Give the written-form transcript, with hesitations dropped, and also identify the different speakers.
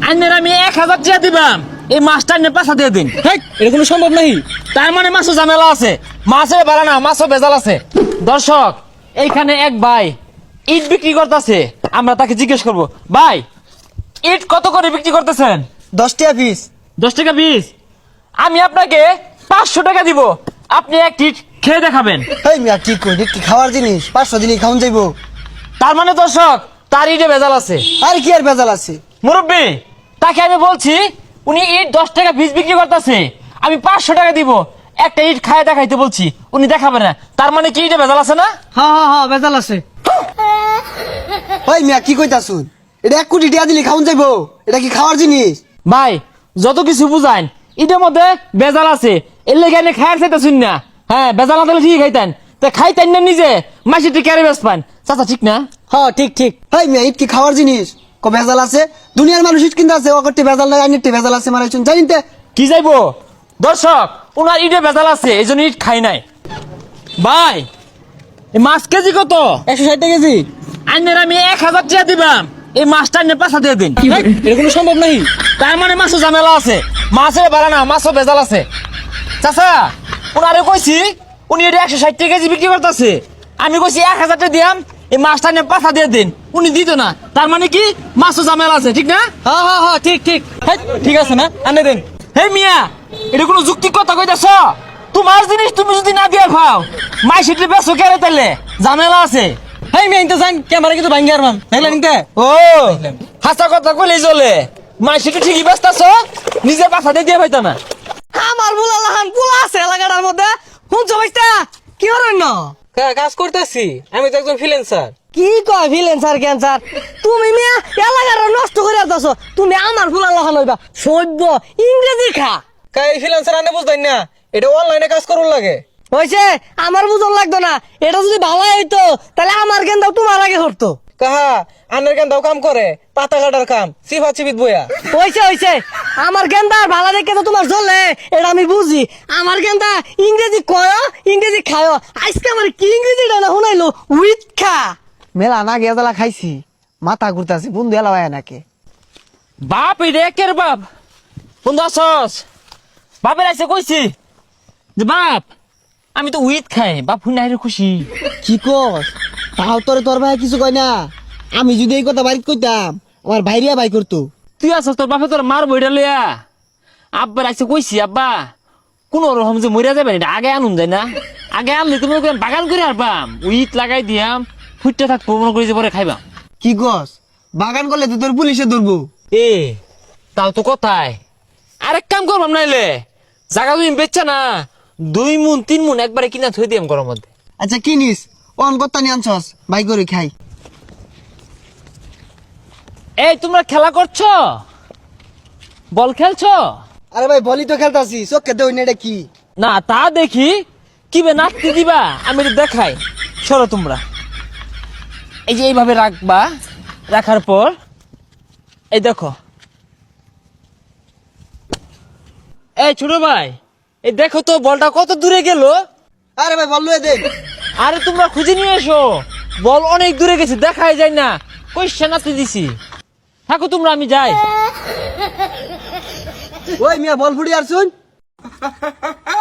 Speaker 1: আইনের আমি 1000 টাকা দিবাম, এই মাছটা নিয়ে পাশা দিয়ে দিন।
Speaker 2: এটা কোনো সম্ভব নাই।
Speaker 1: তার মানে মাছও ঝামেলা আছে, মাছের বাড়া না, মাছও ভেজাল আছে। দর্শক, এইখানে এক ভাই ইট বিক্রি করতেছে, আমরা তাকে জিজ্ঞেস করব, ভাই ইট কত করে বিক্রি করতেছেন?
Speaker 3: 10 টাকা পিস।
Speaker 1: 10 টাকা পিস। আমি আপনাকে 500 টাকা দিব, আপনি এক ইট খেয়ে দেখাবেন।
Speaker 3: এই মিয়া কি কই, কি খাওয়ার জিনিস? 500 দিনই খাওন যাইবো?
Speaker 1: তার মানে দর্শক, তার ইটে ভেজাল আছে।
Speaker 3: আর কি আর ভেজাল আছে?
Speaker 1: মুরব্বী, তাকে আমি বলছি উনি ইট 10 টাকা পিস বিক্রি করতেছে, আমি 500 টাকা দিব, একটা ইট খায় দেখাইতে বলছি, উনি দেখাবে না। তার মানে কি ইটে ভেজাল আছে না?
Speaker 2: হ্যাঁ বেজাল আছে।
Speaker 3: ওই মিয়া কি কইতাছুন? এটা 1 কোটি টাকা দিলি খাওন যাইবো? এটা কি খাওয়ার জিনিস?
Speaker 1: ভাই যত কিছু বুঝাইন, ইটের মধ্যে ভেজাল আছে, এর লেগে এনে খায়ার চাইতেছুন না। হ্যাঁ, ভেজাল না দিলে ঠিক খাইতেন, তা খাইতেন না নিজে, মাসি টি ক্যারে বেশ পান। চাচা ঠিক না?
Speaker 2: হ্যাঁ ঠিক।
Speaker 3: এই মিয়া ইট কি খাওয়ার জিনিস? ভেজাল আছে? দুনিয়ার মানুষ ইট কিনতে আছে, অকরটি ভেজাল নাই, আইনেরটি ভেজাল আছে, মারাইছুন জানিতে?
Speaker 1: কি যাইবো দর্শক, ওনার ইটে ভেজাল আছে, এই জন্য ইট খাই নাই। ভাই এই মাছ কেজি কত?
Speaker 2: 160 টাকা কেজি।
Speaker 1: আইনের আমি 1000 টাকা দিবাম, এই মাছটা নিয়ে পাশা দিয়ে দিন।
Speaker 2: এটা কোনো সম্ভব নাই।
Speaker 1: তার মানে মাছও ঝামেলা আছে, মাছের বাড়া না, মাছও ভেজাল আছে। চাচা, ওনারে কইছি উনি এটা 160 টাকা কেজি বিক্রি করতেছে, আমি কইছি 1000 টাকা দিয়াম, এই মাছটা নিয়ে পাশা দিয়ে দিন, উনি দিত না। তার মানে কি মাছও ঝামেলা আছে, ঠিক না?
Speaker 2: হ্যাঁ ঠিক। ঠিক আছে না, আনে দেন।
Speaker 1: হে মিয়া, এটা কোনো যুক্তি কথা কইতাছ? তোমার জিনিস তুমি যদি না দিয়ে খাও, মাই সেটি বেসো কেড়ে তাইলে ঝামেলা আছে।
Speaker 2: হেই মেয়ে ইনতে যান, ক্যামেরা কিন্তু ভাঙ্গি আর মান দেখলেন ইনতে।
Speaker 1: ও হাসা কথা কইলেই চলে, মাই সেটি ঠিকই ব্যস্তাছ, নিজে পাশা দিয়ে দিয়ে পাইতা না।
Speaker 2: আমার বুলালাহান পোলা আছে এলাকাটার মধ্যে, শুনছো ভাইস্তা? কি করেন না? কাজ করতেছি, আমি তো একজন ফ্রিল্যান্সার। কি কয় ফ্রিল্যান্সার ক্যান্সার? তুমি মিয়া এলাকাটা নষ্ট করে দাও, তুমি আমার বুলালাহান হইবা সভ্য ইংরেজি খা।
Speaker 4: কাই ফ্রিল্যান্সার আনে বুঝতাই না, এটা অনলাইনে কাজ করুন লাগে।
Speaker 2: হইছে, আমার বুঝন লাগতো না, এটা যদি ভালো হইতো তাহলে আমার গেন্দাও তোমার আগে হরতো।
Speaker 4: কাহা আনের কেন দাও কাম করে, পাতা কাটার কাম, সিফা চিবিত বইয়া।
Speaker 2: হইছে আমার গেন্দা ভালো দেখে তো তোমার জ্বলে, এটা আমি বুঝি। আমার গেন্দা ইংরেজি কয়, ইংরেজি খায়, আজকে আমার কি ইংরেজিটা না শুনাইলো, উইথ খা।
Speaker 3: মেলা না গেজালা খাইছি, মাথা ঘুরতাছে, বন্ধু এলা হয় নাকি?
Speaker 1: বাপ রে কের বাপ, বন্ধু আসস? বাপের আইসে কইছি যে বাপ আমি তো উইথ খাই, বাপ হুই নাই রে খুশি।
Speaker 3: কি কস? তাও তোর ভাই কিছু কয় না? আমি যদি এই কথা বাড়িতে কইতাম, আমার ভাইরিয়া ভাই করতো।
Speaker 1: তুই আসস, তোর বাপে তোর মার বইটা লইয়া। আব্বার আইসে কইছি আব্বা কোন রকম যে মরিয়া যাবে এটা আগে আনুন যায় না, আগে আনলে তুমি বাগান করে আরবাম, উইথ লাগাই দিয়াম, ফুটতে থাকবো, মনে করি যে পরে খাইবাম।
Speaker 3: কি কস? বাগান করলে তো তোর পুলিশে ধরবো।
Speaker 1: এ তাও তো কথাই, আরেক কাম করবাম নাইলে জায়গা তুমি বেচছা না, 2 মুন 3 মুন একবারে কিনা থই দিয়াম ঘরের মধ্যে।
Speaker 3: আচ্ছা কিনিস, অন করতা নিয়ে আনছস, ভাই করে খাই।
Speaker 1: এই তোমরা খেলা করছো, বল খেলছো?
Speaker 3: আরে ভাই বলি তো খেলতাছি, চোখে দেই না, এটা কি?
Speaker 1: না তা দেখি, কি বে নাচতে দিবা, আমি এটা দেখাই। সরো তোমরা, এই যে এইভাবে রাখবা, রাখার পর এই দেখো, এই ছোট ভাই এই দেখো তো বলটা কত দূরে গেল।
Speaker 3: আরে ভাই বল লয়ে দে।
Speaker 1: আরে তোমরা খুঁজে নিয়ে এসো, বল অনেক দূরে গেছে, দেখাই যায় না, কইসা নাচতে দিছি। থাকো তোমরা, আমি যাই।
Speaker 3: ওই মিয়া বল ফুড়ি আর শুন।